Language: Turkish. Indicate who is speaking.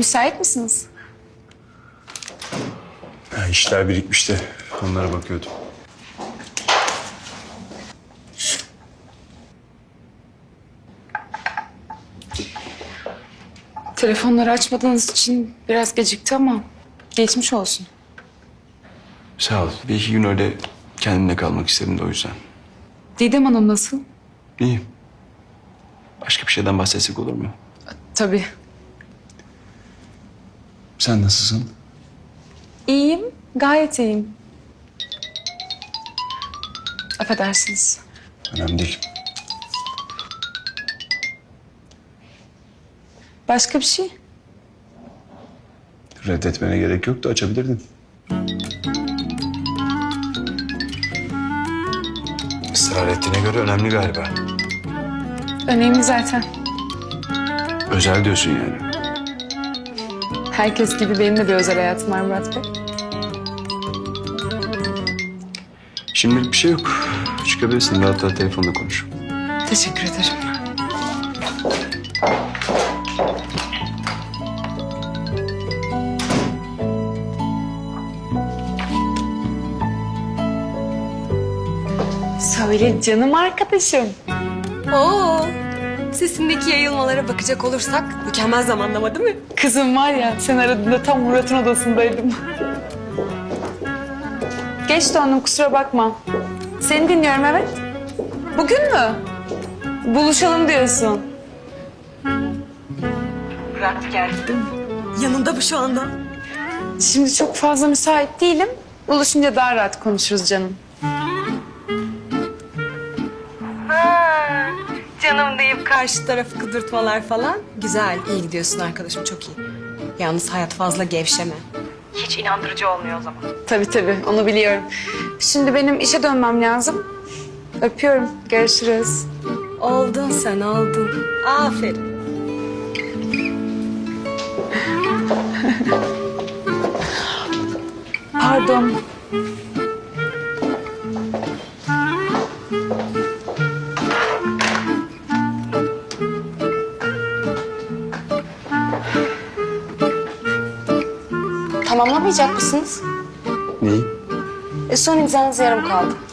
Speaker 1: Müsait misiniz?
Speaker 2: Ya işler birikmiş de onlara bakıyordum.
Speaker 1: Telefonları açmadığınız için biraz gecikti ama geçmiş olsun.
Speaker 2: Sağ ol. Bir iki gün öyle kendimle kalmak istedim de o yüzden.
Speaker 1: Didem Hanım nasıl?
Speaker 2: İyi. Başka bir şeyden bahsetsek olur mu?
Speaker 1: Tabii.
Speaker 2: Sen nasılsın?
Speaker 1: İyiyim, gayet iyiyim. Affedersiniz.
Speaker 2: Önemli değil.
Speaker 1: Başka bir şey?
Speaker 2: Reddetmene gerek yoktu, açabilirdin. Israr ettiğine göre önemli galiba.
Speaker 1: Önemli zaten.
Speaker 2: Özel diyorsun yani.
Speaker 1: Herkes gibi benim de bir özel hayatım var Murat Bey.
Speaker 2: Şimdilik bir şey yok. Çıkabilirsin, rahat rahat telefonla konuş.
Speaker 1: Teşekkür ederim. Söyle canım arkadaşım.
Speaker 3: Oo, sesindeki yayılmalara bakacak olursak mükemmel zamanlama değil mi?
Speaker 1: Kızım var ya, sen aradığında tam Murat'ın odasındaydım. Geç döndüm, kusura bakma. Seni dinliyorum, evet. Bugün mü? Buluşalım diyorsun. Murat geldi değil mi?
Speaker 3: Yanında bu şu anda.
Speaker 1: Şimdi çok fazla müsait değilim. Buluşunca daha rahat konuşuruz canım.
Speaker 3: Canım deyip karşı tarafı kıdırtmalar falan. Güzel, iyi gidiyorsun arkadaşım, çok iyi. Yalnız hayat fazla gevşeme. Hiç inandırıcı olmuyor o zaman.
Speaker 1: Tabii, onu biliyorum. Şimdi benim işe dönmem lazım. Öpüyorum, görüşürüz.
Speaker 3: Oldun sen, oldun. Aferin.
Speaker 1: Pardon.
Speaker 3: Tamamlamayacak mısınız?
Speaker 2: Neyi?
Speaker 3: Son imzanız yarım kaldı.